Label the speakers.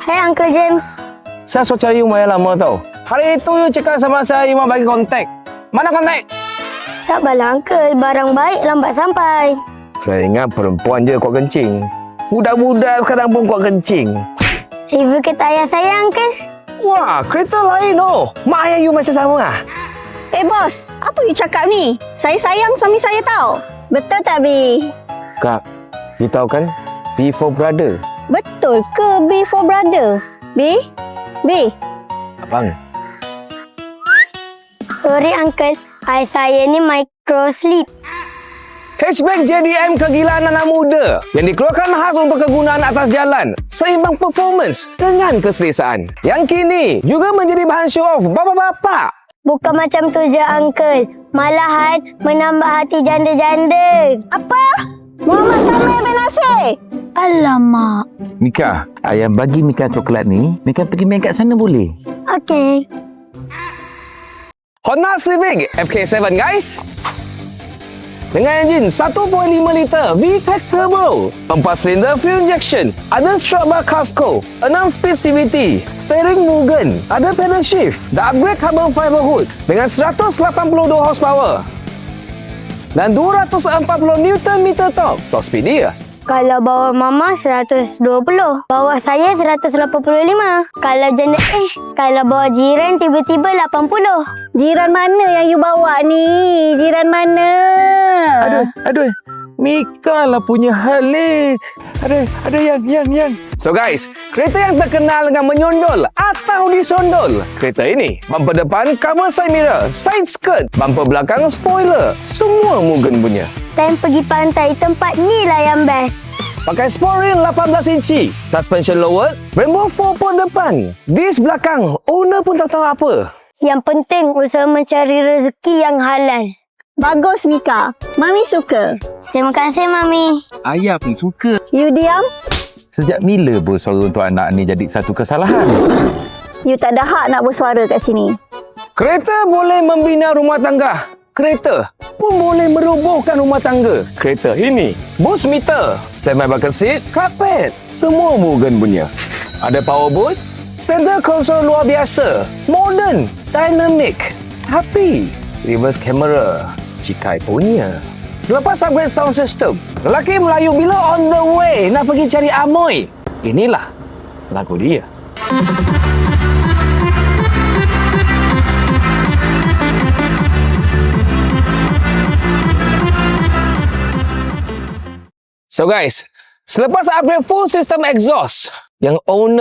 Speaker 1: Hai Uncle James.
Speaker 2: Saya sudah cari you Maya lama tau. Hari itu you cakap sama saya you mau bagi kontak. Mana kontak?
Speaker 1: Sabarlah Uncle, barang baik lambat sampai.
Speaker 2: Saya ingat perempuan je kuat kencing. Budak-budak sekarang pun kuat kencing.
Speaker 1: Review kereta ayah saya Uncle.
Speaker 2: Wah, kereta lain oh. Mak ayah you masih sama ah?
Speaker 3: Bos, apa you cakap ni? Saya sayang suami saya tau. Betul tak, B?
Speaker 2: Kak, you tahu kan? B for brother.
Speaker 3: Betul ke B for brother? B? B?
Speaker 2: Abang.
Speaker 1: Sorry Uncle, ayah saya ni micro sleep.
Speaker 2: Hatchback JDM kegilaan anak muda yang dikeluarkan khas untuk kegunaan atas jalan, seimbang performance dengan keselesaan. Yang kini juga menjadi bahan show off bapa-bapa.
Speaker 1: Bukan macam tu je Uncle, malahan menambah hati janda-janda.
Speaker 3: Apa? Muhammad Kamil bin Nasir?
Speaker 1: Alamak.
Speaker 4: Mika, ayah bagi Mika coklat ni, Mika pergi main kat sana boleh?
Speaker 1: Okey.
Speaker 2: Honda Civic FK7 guys. Dengan enjin 1.5 liter VTEC Turbo, 4 silinder fuel injection, ada strap bar Casco, 6 speed CVT, steering Mugen, ada pedal shift, dah upgrade carbon fiber hood dengan 182 horsepower dan 240 Nm torque. Top speed dia.
Speaker 1: Kalau bawa mama 120, bawa saya 185. Kalau janda kalau bawa jiran tiba-tiba 80.
Speaker 3: Jiran mana yang you bawa ni? Jiran mana?
Speaker 4: Aduh. Mika lah punya hal ni. Aduh, yang.
Speaker 2: So guys, kereta yang terkenal dengan menyondol atau disondol. Kereta ini, bumper depan cover side mirror, side skirt, bumper belakang spoiler, semua Mugen punya.
Speaker 1: Time pergi pantai, tempat ni lah yang best.
Speaker 2: Pakai sport rim 18 inci, suspension lowered, Brembo 4 port depan, disc belakang, owner pun tak tahu apa.
Speaker 1: Yang penting usaha mencari rezeki yang halal.
Speaker 3: Bagus, Mika. Mami suka.
Speaker 1: Terima kasih Mami.
Speaker 4: Ayah pun suka.
Speaker 3: You diam?
Speaker 4: Sejak bila bersuara untuk anak ni jadi satu kesalahan?
Speaker 3: You tak ada hak nak bersuara kat sini.
Speaker 2: Kereta boleh membina rumah tangga. Kereta pun boleh merobohkan rumah tangga. Kereta ini, boost meter, semi bucket seat, carpet, semua Mugen punya. Ada power boot, center console luar biasa, modern, dynamic, tapi reverse camera, Cikai punya. Selepas upgrade sound system, lelaki Melayu bila on the way nak pergi cari amoy, inilah lagu dia. So guys, selepas upgrade full system exhaust, yang owner